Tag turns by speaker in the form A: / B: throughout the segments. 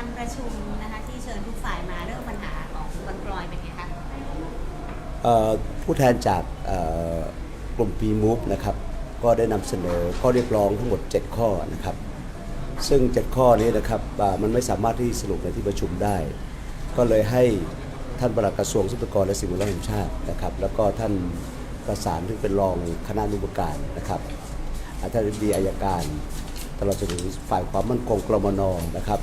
A: ประชุมนะคะที่เชิญทุกฝ่ายมาเรื่องปัญหาของบางกรอยเป็นไงคะ
B: ผู้แทนจากกลุ่ม P-Move นะครับก็ได้นำเสนอข้อเรียกร้องทั้งหมด7ข้อนะครับซึ่ง7ข้อนี้นะครับมันไม่สามารถที่สรุปในที่ประชุมได้ก็เลยให้ท่านปลัดกระทรวงทรัพยากรและสิ่งแวดล้อมแห่งชาตินะครับแล้วก็ท่านประสานที่เป็นรองคณะอนุกรรมการนะครับท่านอธิบดีอัยการตลอดจนถึงฝ่ายความมั่นคงกรมน.นะครับ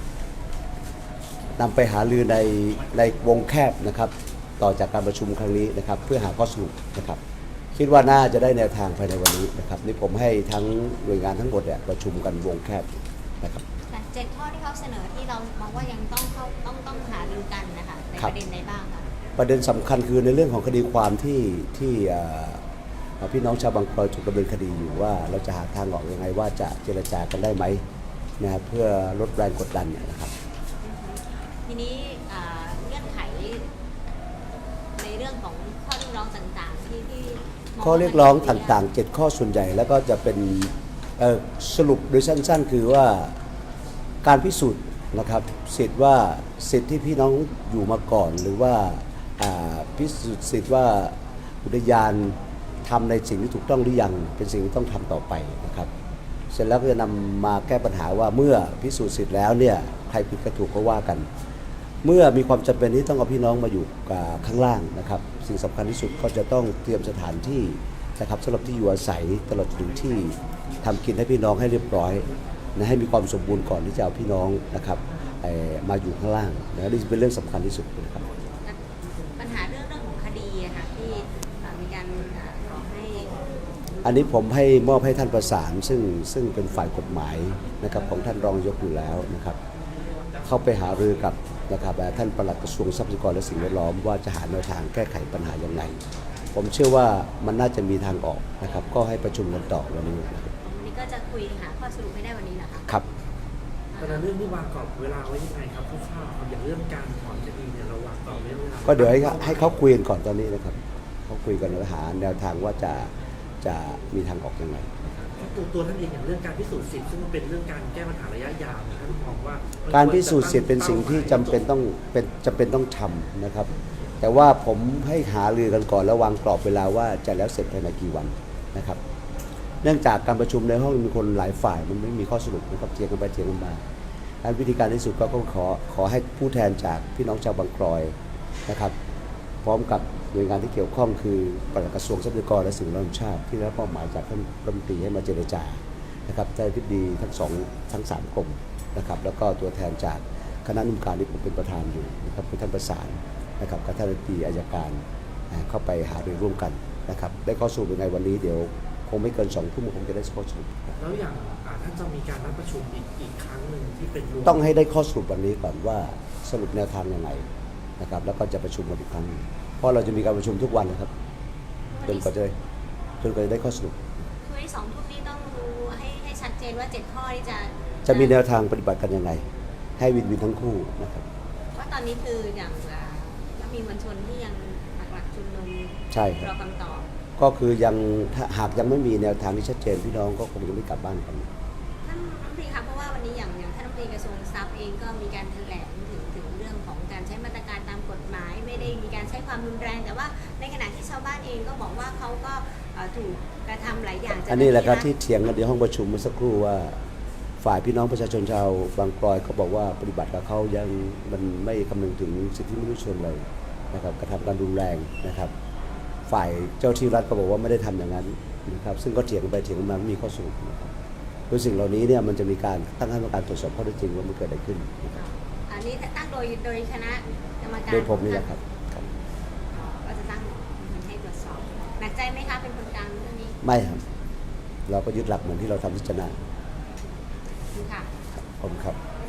B: นำไปหารือในวงแคบนะครับต่อจากการประชุมครั้งนี้นะครับเพื่อหาข้อสรุปนะครับคิดว่าน่าจะได้แนวทางภายในวันนี้นะครับนี่ผมให้ทั้งหน่วยงานทั้งหมดเนี่ยประชุมกันวงแคบนะครับ
A: 7 ข้อที่เขาเสนอที่เรามองว่ายังต้องหารือกันนะคะในประเด็นใดบ้างคะ
B: ประเด็นสำคัญคือในเรื่องของคดีความที่พี่น้องชาวบางกรอยถูกดำเนินคดีอยู่ว่าเราจะหาทางออกยังไงว่าจะเจรจากันได้ไหมนะครับเพื่อลดแรงกดดันนะครับ
A: ทีนี้เงื่อนไขในเรื่องของข้อเรียกร้องต่างๆที่
B: ข้อเรียกร้องต่างๆ7ข้อส่วนใหญ่แล้วก็จะเป็นสรุปโดยสั้นๆคือว่าการพิสูจน์นะครับสิทธิ์ที่พี่น้องอยู่มาก่อนหรือว่าพิสูจน์สิทธิ์ว่าอุทยานทำในสิ่งที่ถูกต้องหรือยังเป็นสิ่งที่ต้องทำต่อไปนะครับเสร็จแล้วก็จะนำมาแก้ปัญหาว่าเมื่อพิสูจน์สิทธิ์แล้วเนี่ยใครผิดก็ถูกก็ว่ากันเมื่อมีความจำเป็นที่ต้องเอาพี่น้องมาอยู่ข้างล่างนะครับสิ่งสำคัญที่สุดก็จะต้องเตรียมสถานที่นะครับสำหรับที่อยู่อาศัยตลอดถึงที่ทำกินให้พี่น้องให้เรียบร้อยนะให้มีความสมบูรณ์ก่อนที่จะเอาพี่น้องนะครับมาอยู่ข้างล่างนะนี่เป็นเรื่องสำคัญที่สุดนะครับ
A: ปัญหาเรื่องของคดีอะค่ะที่มีการขอให้
B: อันนี้ผมให้มอบให้ท่านประสานซึ่งเป็นฝ่ายกฎหมายนะครับของท่านรองนายกอยู่แล้วนะครับเข้าไปหารือกับนะครับท่านปลัดกระทรวงทรัพยากรและสิ่งแวดล้อมว่าจะหาแนวทางแก้ไขปัญหาอย่างไรผมเชื่อว่ามันน่าจะมีทางออกนะครับก็ให้ประชุมกันต่อวันนี้
A: วันนี้ก็จะคุยหาข้อสรุปไม่ได้วันนี้เหรอคะ
B: ครับ
C: แต่เรื่องที่วางกรอบเวลาไว้ยังไงครับคร่าวๆอย่างเรื่องการถอนคดีเนี่ยเราวางกรอบไว้เวลา
B: ก็เดี๋ยวให้เขาคุยกันก่อนตอนนี้นะครับเขาคุยกันแล้วหาแนวทางว่าจะมีทางออกยังไง
C: ตัวท่านเองอย่างเรื่องการพิสูจน์สิทธิ์ซึ่งมันเป็นเรื่องการแก้ปัญหาระยะยาวท่านมองว่า
B: การพิสูจน์สิทธิ์เป็นสิ่งที่จำเป็นต้องทำนะครับแต่ว่าผมให้หารือกันก่อนแล้ววางกรอบเวลาว่าจะแล้วเสร็จภายในกี่วันนะครับเนื่องจากการประชุมในห้องมีคนหลายฝ่ายมันไม่มีข้อสรุปนะครับเถียงกันไปเถียงกันมาอันวิธีการที่สุดก็ขอให้ผู้แทนจากพี่น้องชาวบางกรอยนะครับพร้อมกับหน่วยงานที่เกี่ยวข้องคือปลัดกระทรวงทรัพยากรและสิ่งแวดล้อมชาติที่ได้รับมอบหมายจากท่านรัฐมนตรีให้มาเจรจานะครับท่านอธิบดีทั้ง3กรมนะครับแล้วก็ตัวแทนจากคณะอนุกรรมการที่ผมเป็นประธานอยู่นะครับคือท่านประสานนะครับกับท่านอธิบดีอัยการเข้าไปหารือร่วมกันนะครับได้ข้อสรุปยังไงวันนี้เดี๋ยวคงไม่เกิน2 ทุ่มคงจะได้ข้อสรุป
C: แล้วอย่างท่านจะมีการนัดประชุมอีกครั้งหนึ่งที่เป็น
B: ต้องให้ได้ข้อสรุปวันนี้ก่อนว่าสรุปแนวทางยังไงนะครับแล้วก็จะประชุมกันอีกครั้งเพราะเราจะมีการประชุมทุกวันนะครับจนกว่าจะได้ข้อสรุป
A: คือใน2 ทุ่มนี้ต้องรู้ให้ชัดเจนว่า7 ข้อที่
B: จะมีแนวทางปฏิบัติกันยังไงให้วินทั้งคู่นะครับ
A: ว่าตอนนี้คืออย่างมีมวลชนที่ยังหลักชุมนุม
B: ใช่ครับ
A: รอคำตอบ
B: ก็คือยังหากยังไม่มีแนวทางที่ชัดเจนพี่น้องก็คงจะไม่กลับบ้านกัน
A: ท่านรัฐมนตรีครับเพราะว่าวันนี้อย่างท่านรัฐมนตรีกระทรวงทรัพย์เองก็มีการแถลงถึงเรื่องของการใช้มาตรการตามกฎหมายไม่ได้มีการใช้ความรุนแรงแต่ว่าในขณะที่ชาวบ้านเองก็บอกว่าเขาก็ถูกกระทำหลายอย่าง
B: อันนี้แหละครับที่เถียงกันในห้องประชุมเมื่อสักครู่ว่าฝ่ายพี่น้องประชาชนชาวบางกรอยเขาบอกว่าปฏิบัติกับเขายังมันไม่คำนึงถึงสิทธิมนุษยชนเลยนะครับกระทำการรุนแรงนะครับฝ่ายเจ้าที่รัฐก็บอกว่าไม่ได้ทำอย่างนั้นนะครับซึ่งก็เถียงกันไปเถียงกันมาไม่มีข้อสรุปนะครับโดยสิ่งเหล่านี้เนี่ยมันจะมีการตั้งคณะกรรมการตรวจสอบข้อเท็จจริงว่ามันเกิดอะไรขึ้น
A: อันนี้ตั้งโดยคณะกรรมการ
B: โดยผมนี่แหละครับ
A: ก็จะตั้งให้ตรวจสอบหนักใจไหมคะเป็นคนกลางเรื่องนี้
B: ไม่ครับเราก็ยึดหลักเหมือนที่เราทำที่ชนะ
A: ค่ะ
B: ขอบคุณครับ